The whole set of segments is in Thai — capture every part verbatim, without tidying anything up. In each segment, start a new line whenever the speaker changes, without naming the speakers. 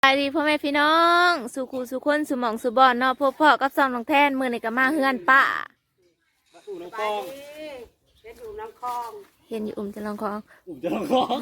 สวัสดีพ่อแม่พี่น้องสุขูสุคนสุหมองสุบอนเนาะพ่อพ่อกับซองน้องแทนมือในกะมาเฮือนป้า
อุ่มน้ำคลองเห็นอุ่มน้ำคลอง
เห็นอยู่อุ่มจะลองของ
อุ่มจะน้ำคลอง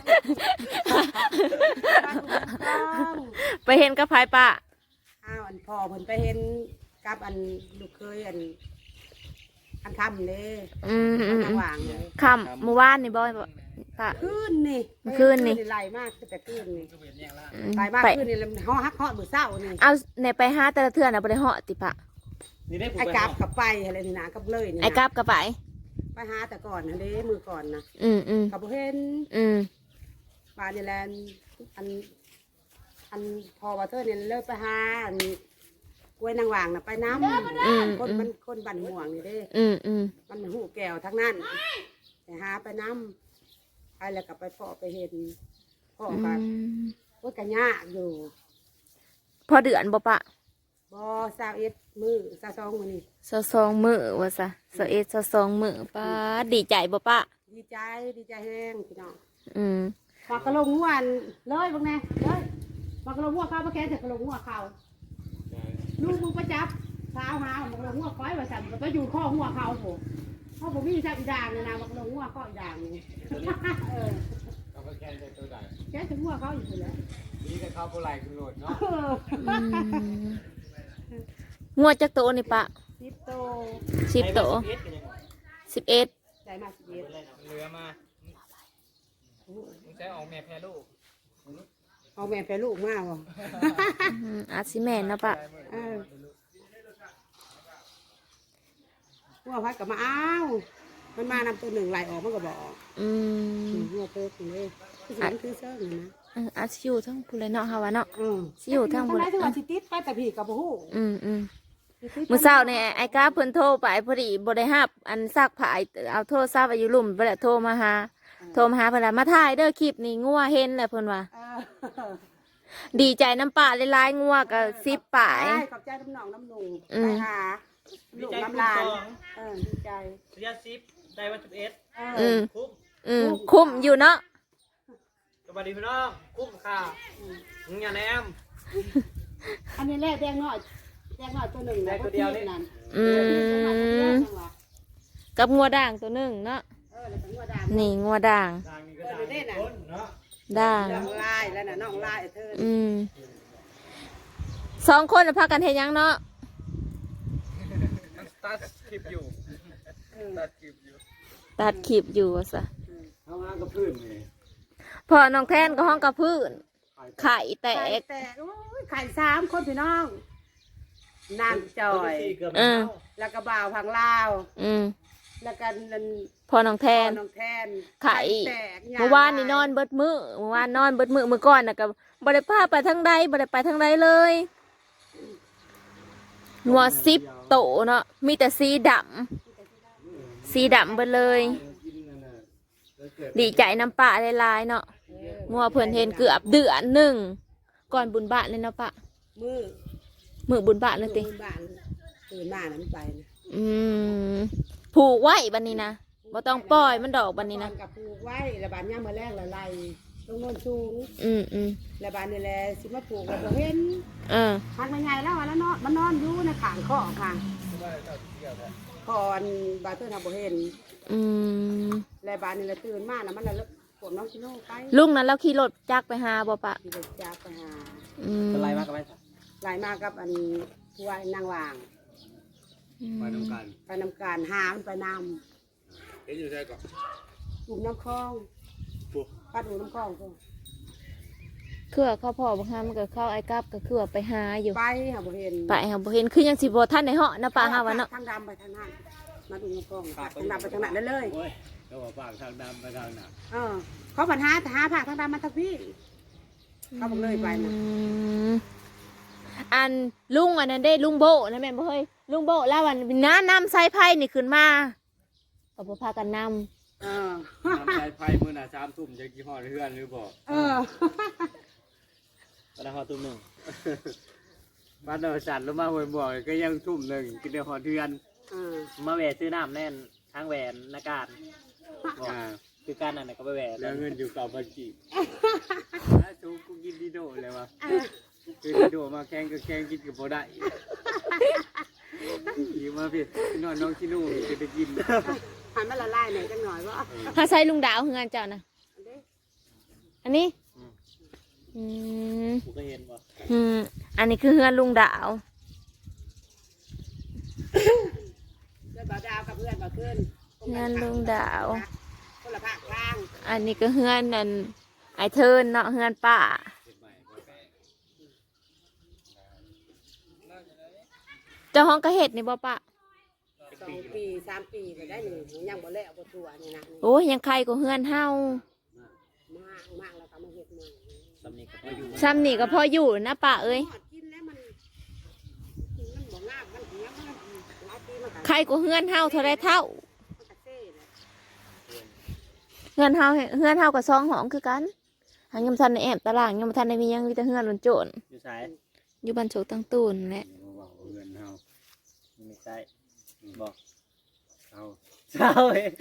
ไปเห็นกับพายป้า
อ้าวอันพ่อเพิ่นไปเห็นกับอันลูกเคยอันอันคำเลย
อืมอืม
อันหว่างเลย
คำเมื่อวานนี่บอยป้า
ขึ้นนี่
ขึ้นนี่
ไหลมากแต่ขึ้นนี่
อืม
ไหลมาก
ไป
ขึ้นนี่ห่อฮักห่อมือเศร้านี่
เอาในไปห้าแต่ละเทื่อนะบ่ได้เหาะติปะ
ไอ้กราบกับไปอะไรนี่นะกับเลยนี่นะ
ไอ้กราบกับไป
ไปหาแต่ก่อนนะเด้มือก่อนนะ
อืมอืม
กับบ่เห็น
อืม
ปลาในแลนอันอันพอว่าเธอเนี่ยเลิกไปหาอันกล้วยนางหว่างน่ะไปน้ำ
อืม
คน
อืม
มันคนบันห่วงนี่เด้
อืมอืม
มันหูแก้วทั้งนั้นไปหาไปน้ำไปแล้วก็ไปพ่อไปเห็นพ่อ
อื
กัน
ม
ว่ากันยากอยู่
พอเดือนบ่ปะ
บอสาวเอ็ดมือสาวสองมือนี่
สะซองมือว่าซะสะเอ็ดสะซองมือป้าดีใจบ่ปะ
ดีใจดีใจแห้งพี่น้อง
อืม
มากระลงหัวอันเลยบางแน่เลยมากระลงหัวข้าวมาแค่แต่กระลงหัวเขาลูกมึงไปจับสาวหามากระลงหัวก้อยว่าสั่นก็อยู่ข้อหัวเขาผมเพราะผมมีจับอีด่างเลยนะมากระลงหัวข้ออีด่างนี่เออ
เขาก็แค่ได้ตัวใด
แค่ถึงหัวเขาอยู่แล้ว
นี่ก็เข้าโบราณคือโหลดเนาะ
อืมงวดจักโตนี่ปะ
สิบโต
สิบโตสิบเอ็ด
ใจมาสิบเอ็ด
เรือมามึงใช้ออกแม่แพ้ลูก
เอาแม่แปรลูกมากวะ
อาจสิแม่นเนาะปะ
เออหัวพัดกับมาอ้าวมันมานำตัวหนึ่งไหลออกมันก็บอก
อืม
หัวเพิกเลยคือสิมันคือเซิร์ฟนะ
เอออาจสิอยู่ทั้งผู้เลยเนาะเฮาวะเนาะ
อืม
สิอยู่ทางบ
บ
น
นทั้งวันสิติดไปแต่พี่กับผู้
อืมอืมมื้อเช้านี่ไอ้กาเพิ่นโทรไปพอดีบ่ได้รับอันซักผ้าเอาโทรศัพท์อายุลุ่มไปแล้วโทรมาหาโทรมาหาเพิ่นว่ามาถ่ายเด้อคลิปนี้งัวเห็นแล้วเพิ่นว่า
เออ
ดีใจน้ำปลาหลายๆงัวก็สิบปลาย
ใช่ขอบใจน้ำหนองน้ำหนุ่ง
อืม
ไปหาลูกน้ำลานเออดีใจ
ระยะซิปได้วันสิบเอ็ด
เอ
อื
อ
ม
คุ้ม
อืมคุ้มอยู่เนาะ
สวัสดีพี่น้องคุ้มค่ะมึงอย่าแนม
อันนี้แรกแดงหน่อยแดงหน่อยตัวหนึ่ง
แดงตัวเดียวนี่
นั่น
อืมกับงัวด่างตัวหนึงเนาะ
เออแล้วก็งัวดำ
นี่งัวด่าง
ทางนี้ก็ได้คนเนาะ
ด่าง
น้องลายแล้วน่ะน้องลายเธอ
อืมสองคนน่ะพากันเฮ็ดหยังเนาะ
ตัดคลิปอยู่ตัดคลิปอยู่
ตัดคลิปอยู่ว่าซะ
เขางานกับพื้นนี่
พอน้องแทนก็ห้องกับพื้นไข่แต
ไข่
ก
แตกโอ้ยไข่สามคนพี่น้องนางจอย
เกือบ
เออ
แล้วก็บ่าวพังลาว
อืม
แล้วก็นั่น
พอน้องแทน
น้องแทน
ไข่
แตกยง
เมื่อวานนี่นอนเบิดมือเมื่อวานนอนเบิดมือเมื่อก่อนน่ะก็บ่ได้พาไปทางใดบ่ได้ไปทางใดเลยหัวสิบโตเนาะมีแต่สีดำสีดำเบิดเลย ดีใจน้ำปลาหลายๆเนาะงัวเพิ่นเห็นเกือบเดือนหนึ่งก่อนบุญบาทเลยเนาะปะ
มือ
มือบุญบาทเลยติ
มือบ้านตื่นมานั้นไปนะ
อืมผูกไว้บัดนี้นะบ่ต้องปล่อยมันดอกบัดนี้นะ
กับปลูกไว้ระบาดย่ามมาแรกละลายตรงโน้นสูง
อืมอืม
ระบาดนี่แหละสิมาปลูกแล้วบ่เห็น
เออ
หันมาใหญ่แล้วอะแล้วนอนมันนอนอยู่ในขางข้อค่ะก่อนบาเตอร์ทำบ่เห็น
อืม
ระบาดนี่แหละตื่นมานะมันละปวดน้องชิโน่ไป
ลุงนั้นเราขี่รถจักรไปหาบ่ปะ
ที่เด็กจ้าไปหา
อืม
อะไรมากกับไป
หลายมากับอันผู้ว่านางวาง
ไปน้ำกัน
ไปนำการหามันไปน
เห็นอยู่ใช่ก่อน
ำกลุ่มน้ำคลองปัดหูน้ำคลองพวก
เครือเข้าพ่อบ่หามันก็เข้าไอ้กับก็คือว่าไปหาอยู่
ไปหาบ่เห็น
ไปหาบ่เห็นคือยังสิบ่ทันได้เหาะนะปะหาว่าเนาะ
ทางดำไปทางนั้นมาดูน้ำคลองทางดำไปทางนั้นได้เลย
โอ้ยเขาบอกฝากทางดำไปทางหนัก
เออเขาปัญหาหาผักทางดำมาทางพี่เขาบอกเลยไปนะ
อืมอันลุงอันนั้นได้ลุงโบนะแม่นบ่เฮ้ยลุงโบแล้ววันน้านำสายไผ่นี่ขึ้นมาก็บ่พากันนำ
เออ
น้ำใจไฟมือหน่ะสามทุ่มจะกี่ห่อเพื่อนหรือบอก
เออ
ตอนห่อทุ่มหนึ่งบ้านเราสั่นลงมาหัวบ่อยก็ยังทุ่มหนึ่งกินเดียวห่อเทือน
เออ
มาแหวนซื้อน้ำแน่นทางแหวนนาการอ่าคือการนั่นน่ะก็ไปแหวแล้วเงินอยู่กับบัญชีถ้าชูกูกินดีโดเลยวะคือดีโดมาแข่งก็แข่งกินกับบ่ได้อยู่มาพี่นอนน้องที่นู่นจะไปกิน
หันมาละลายหน่อยจังหน่อยว่า
ถ้าใช้ลุงดาวเฮือนเจ้านะอันนี้อืม
กูก็เห็นว่า
อืมอันนี้คือเฮือนลุงดาว
เพื่อนบ่าวดาวกับเพื่อนบ่าวขึ้น
เฮือนลุงดาว
คนละภาคกลาง
อันนี้ก็เฮือนนั่นไอเทิร์นเนาะเฮือนป้าเจ้าห้องกระเห็ดนี่บ่ปะ
สองปีสามปีก็ได้หนึ่งยังบ่แล้วบ่ตัวนี่นะ
โอ้ยยังใครก็เฮือนเฮาม
ากมากแล้วก็มาเฮ็ดใหม่
สำนีก็พออยู่
ซ้ำนี่ก็พออยู่นะป้าเอ้ย
กินแล้วมันมันบ่งามมันเหี้ยมันหลายปีมันก็
ใครก็เฮือนเฮาเท่าไรเท่า
มันก็เซ่เลย
เฮือนเฮาเฮือนเฮากับซองหองคือกันหางยำทันในแอบตารางยำทันในมียังมีแต่เฮือนหล่นโจร
อยู่สาย
อยู่บ้านโฉกตั้งตูนแหละ
เงินเฮาไม่ใช่บอกเอาเช้าเอง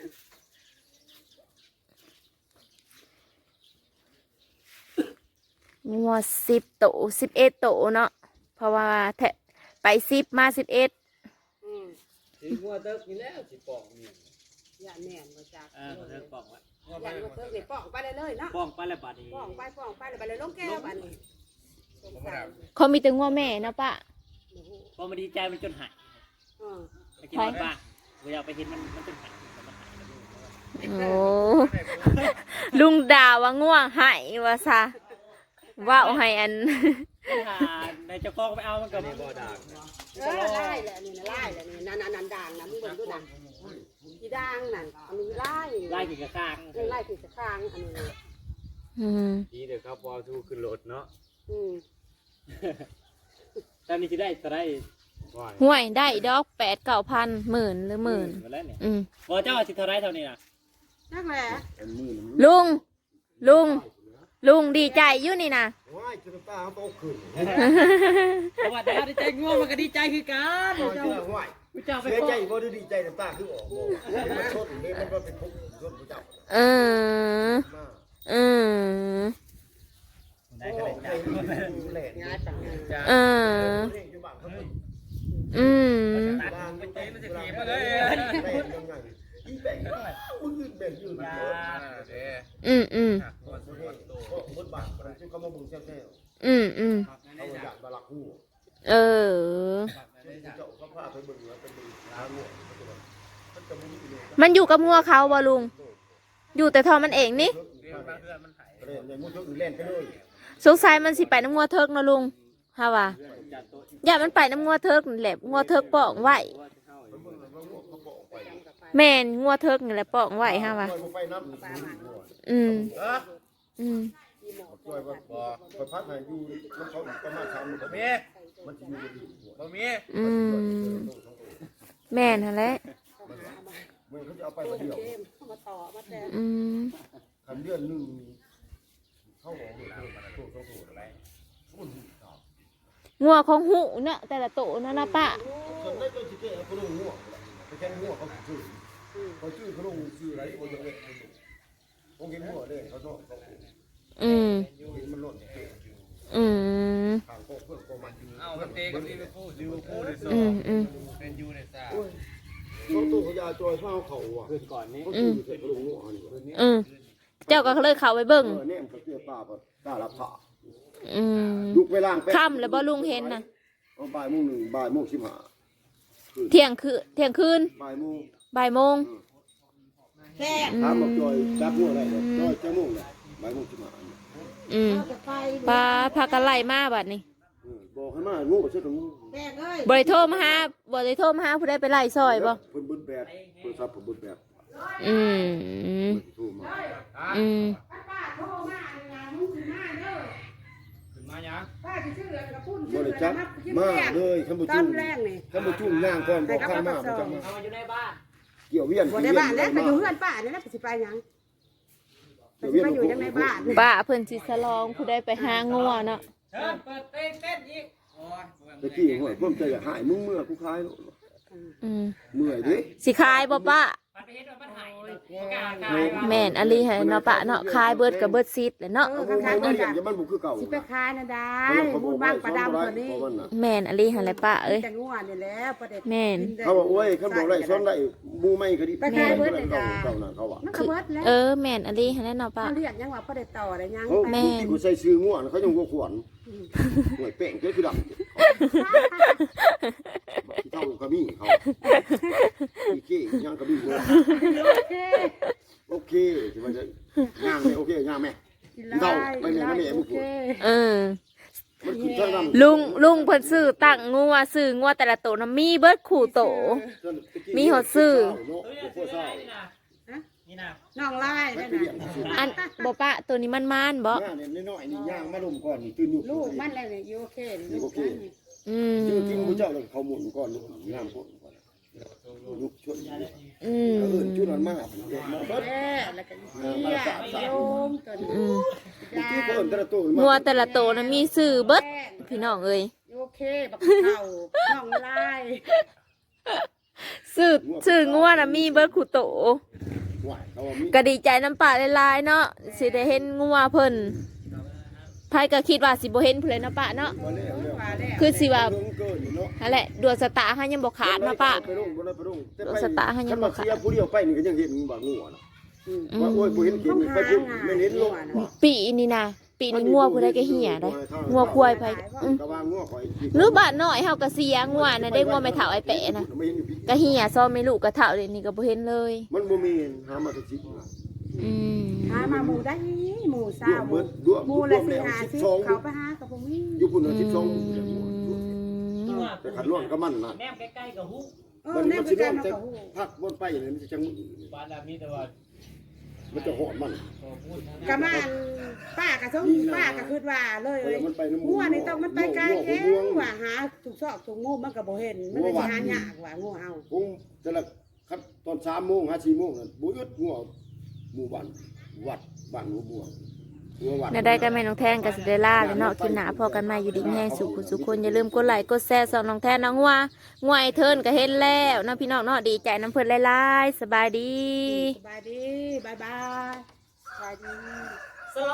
มีหมดสิบโตสิบเอ็ดโตเนาะเพราะว่าแทะไปสิบมาสิบเอ็ด
อืม
สิงัวเติบนี่แล้วสิปอกเมีย
อย่าแม่นบ่จัก
อ่าเติบปอกไว้
อย่าบ่เทิงนี่ป้องไปเลยเลยเนาะ
ปอกไปแล้วบัดนี้
ป้องไปป้องไปแล้วไปเลยลงแก้วบัดนี้สงสัย
เขามีแต่งัวแม่เนาะป้า
พอมันดีใจมันจนหาย
เออ
ไปกินบ้านเวลาไปเห็นมันมันจนหายมันหาย
โอ้ลุงด่าว่าง่วงหายว่าซะว่าเอาให้อัน
หาในเจ้าของไปเอามันก็บ่ด่า
เออไล่แหละนี่นะไล่แหละนี่นั่นนั่นด่างนะมึงเบิ่งดูนะอีด่างนั่นอันนี้ไล่
ไล่กินกระข้าง
ไล่ที่สะข้างอันนี้นะ
อืม
ดีเด้อครับพอทูขึ้นรถเนาะ
อืม
ตอนนี้สิได้จะได้
ห่วยได้ดอกแปดเก้าพันหมื่นหรือหมื่น
มาแล้วเนี่ย
อืม
บ่เจ้าสิเท่าไรเท่านี้น่ะ
นั่นแหละ
ลุง ลุง ลุงดีใจอยู่นี่นะ
ว้ายจะตาโตขึ้น
เพราะว่าแต่ดีใจง่วงมันก็ดีใจคือกัน
เจ้าว้าย
เจ้าไป
เสีย
ฟ้อ
ใจ
ง
บ่ได้ดีใจน้ำตาคือออกบ่มันชนนี่มันก็เป็นทุกข์ชนผู้เจ้า
เออ
มา
เออ
ได้ก็ได้จ้า
แหล่
งานปังงาน
จ้า
เออ
อยู่บ้านเขา
อืม
บ้านมันใจมันจะเก็บมาเลยแหล่ยังไงอีแบ่งมึงยืนแบ่งยืน
จ้า
อืมอืม
ก็บนบ้านมันจะเข้ามาบุญแซ่บ
อืมอืม
ๆเอาอยากมาลักหู
เออ
เจ้าเขาพาไปเบิ่งแล้วไปดูหางูมันจะมีอยู่
มันอยู่กับงัวเขาบ่ลุง อยู่แต่ทอมันเองนี่
เล่นในมุ้งอื่นเล่นไปเลย
สงสัยมันสิไปน้ำงัวเทิกเนาะลุงฮะว่าอย่ามันไปน้ำงัวเทิกนี่แหละงัวเทิกปองไว้แม่นงัวเทิกนี่แหละปองไว้ฮะว่า
ไปน้ำ
อืมอืม
ช่วยว่าบ่ไปพักให้อยู่มันเขาประมาณสามมื้อมีมันสิอยู่ดีบ่มี
อืมแม่นหั่นแหละ
มันเขาจะเอาไปเดียว
เกมเข้ามาต่อมาแต่
อืม
คันเดือนนึงเข้าออกเลยตัวตัวตัวอะไรพุ่น
งัวของหูเนาะแต่ละโตเนาะนะป้า
คนได้ก็สิเกะเขาลงหัวไปแค่หัวเขาชื่อเขาชื่อเขาลงชื่ออะไรโอ้ยเด็กคงเห็นหัวเลยเขาชอบเขา
อืม
เห็นมันหล่น
อืม
ทางโคกเพื่อนโคมันอยู่
เอามันเตะกับลิเวอร์พูลลิเวอร์พูล
อืมอืม
เป็นยูในซ่า
เขาตู้เขายาจอยเข้าเขาอ่ะ
คืนก่อนนี้
เขาชื่อเขาลงหัวนี่
อืมเจ้าก็เลยเข้าไปเบิ่ง
เออเนี่ยเขาเสียป้าป่ะตาลับผ้า
อืม
ลุกไปล่าง
ค่ำแล้วบ่ลุงเห็นน่ะ
เอาบ่ายโมงหนึ่งบ่ายโมงสิบห้า
เที่ยงคืนเที่ยงคืน
บ่ายโมง
บ่ายโมง
แค่
ถามบอกจอยจับหัวอะไรเนี่ยจอยจะโมงเลยบ่ายโมงสิบห้า
อืม
จะไป
ปลาพากันไล่มาบัดนี้
บอกให้มางูไปเชื่อตรงงู
แม่เอ้ย
บ่ได้โทรมาหาบ่ได้โทรมาหาผู้ใดไปไล่ซอยบ่
เพิ่นเบิ้ลแบบโทรศัพท์เพิ่นเบิ้ลแบบ
อืม
เพิ่นสิโทรมา
อืม
ป้าโทรมางานมึงสิมาเด้อ
ขึ้นมายัง
ป้าสิชื่ออะไรกับพุ่น
บ่ได้จับมาเลยคันบ่
ตอ
จุ่
น
ม
แรกนี่
คันบ่จุ่มย่างก่อนบ่ข้ามมาบ่จังมา
เอามาอยู่ในบ้าน
เกี่ยวเวียน
บ่ได้บ้านแล้วไปอยู่เพื่อนป้านี่แล้วไปสิไปหยังไปสิไปอยู่ยังในบ้าน
ป้าเพิ่นสิสลองผู้ใดไปหางัวเนาะ
เชิญเปิดเต้นเต้นอีกโอ้ย
ตะกี้ห้วยผมจะอยากหายมึงเมื่อกูคาย
อืม
เมื่อยดิ
สิขายบ่ป้าแม่นอลีให้เนาะป้าเนาะขายเบิดกับเบิดซิดแหละเนาะ
เออ
เอา
คัน
ไป
ขาย
มา
เบิด
เลี้ยง
อะ
อย่ามันบุกคือเก่า
สิไปขายนะได้
เขา
มูลบ้างปลาดำตัวนี้
เพราะมันน่ะ
แม่นอลีให้แหละป้าเอ้ย
แต่งัวนี่แหล้วประเด็น
แม่น
เขาบอกโอ้ยเขาบอกได้ซ้อนได้บูไม่ก็ดี
ไปขายเบิดเลย
เก่า
จ้า
เก่าน่ะเขาว่า
มันก็เบิดแล้ว
เออแม่นอลีให้แหละเนาะป้า
เขาเรียกยังว่าประเด็นต่อได้ยัง
เขา
ไป
ที่กูใส่ซื้อง่วงเขายังกูขวนหน่วยแป้งเจ้าคือดำที่เท่ากระมี่เขาอีเก้ย่างกระมี่เลย
โอเค
โอเคที่มันจะย่างไหมโอเคย่างไหม
กิน
เท่า
ได้
ไปเลยนะแม่
โอ
มึง
เค
เออ
มันคือเท่าดำ
ลุงลุงเพิ่นซื้อตั้งงัวซื้องัวแต่ละโตวน่ะมีเบิดคู่โต มีหดซื้อ
น้องไล่ได้นะ
อันบ่ป้าตัวนี้มันมันๆบ่
ย่างเนี่ยน้อยๆนี่ย่างมาลุมก่อนนี่ตื่นอยู่
ลูกมันอะไรเนี่ยอยู่โอเคลูกมันนี่
อืม
ชื่อที่มึงเจ้าเลยเขาหมุนก่อนลูกย่างก่อนก่อนลูกชวน
อืม
เออชุดนั้นมากเด็กมาเบิด
แม่แล้วก็เสียโยมตัวนี้
อืม
ที่เพิ่นแต่ละตัว
งัวแต่ละโตวน่ะมีซื้อเบิดพี่น้องเอ้ย
โอเคบักเข่าน้องไล่
ซื้อซื้องัวน่ะมีเบิดคู่โต
หวายเขาว่ามี
ก็ดีใจน้ำปลาหลายๆเนาะสิได้เห็นงัวเพิ่นไผก็คิดว่าสิบ่เห็นผู้ใดเนาะป้าเนาะ
บ่แล้วแล้ว
ว่าแล้ว
คือสิว่า
เรื่องเกินอยู่เนาะ
นั่นแหละดวงสตาร์เฮายังบ่ขาดเนาะป้า
ไปลงบ่ได้ไปลงแต่
รถสตาร์ทให้ยังบ่ขาด
คันมาเสียผู้เดียวไปนี่ก็ยังเห็นบ่งัวน่ะ
อืม
ว่าโอ้ยบ่เห็นเห็นไปพุ่นไม่เห็นลง
ปีนี้นะปีนี้งัวผู้ใดก็เหี่ยได้งัวควายไผอืม
ก็ว่างัวข่อย
หรือบ้านน้อยเฮาก็เสียงัวน่ะได้งัวไม่เฒ่าไอ้แปะนะ
ไม่เห็นอยู่พี่
ก็เหี่ยซ้อมไม่ลูกก็เฒ่าเดี๋ยวนี้ก็บ่เห็นเลย
มันบ่มีหามาแต่สิบ
อืม
หามาหมูได้หมูเศร้าหมู
รวม
หมู
ร
ละ
วม
สิ
แล้ว
หาสิ
สิบสอง
เขาไปหากับผมนี่
อยู่พุ่นน่ะ
อื
สิบสอง
ม
แต่ขันร่วงก็มันน่ะ
แนมใกล้ๆกับฮุ
เออ
มัน
แน่
มัน
คื
สิ
อ
ร่
กาว ร
ง
มา
แต่
กับหู
พักบนไปเนี่ยมันจะจัง
บ้านเรามีแต่ว่า
มันจะหอดมัน
ขอพูดนะ
กะมันป้ากะสงป้ากะคิดว่าเลยเลย
มันไปน้ำ
งัวนี่ต้องมันไปไกลแค่ว่าหาถูกซอกถูกงูมันก็บ่เห็นมันเลยหายากว่างูเอา
คงแต่ละครับตอนสามโมงห้าสี่โมงนั่นบุยดงัวหมู่บ้านวัดบ้านหัวบัวหัววัด
น่าได้ก็แม่น้องแทนกับสิเดล่าแล้วเนาะคลิปหน้าพอกันใหม่อยู่ดีแห้งสุขสุขคนอย่าลืมกดไลค์กดแชร์ส่องน้องแทนน้องงัวงัวไอเทิร์นก็เห็นแล้วเนาะพี่น้องเนาะดีใจน้ำเพิ่นหลายๆสบายดี
สบายดีบายบายสบายดี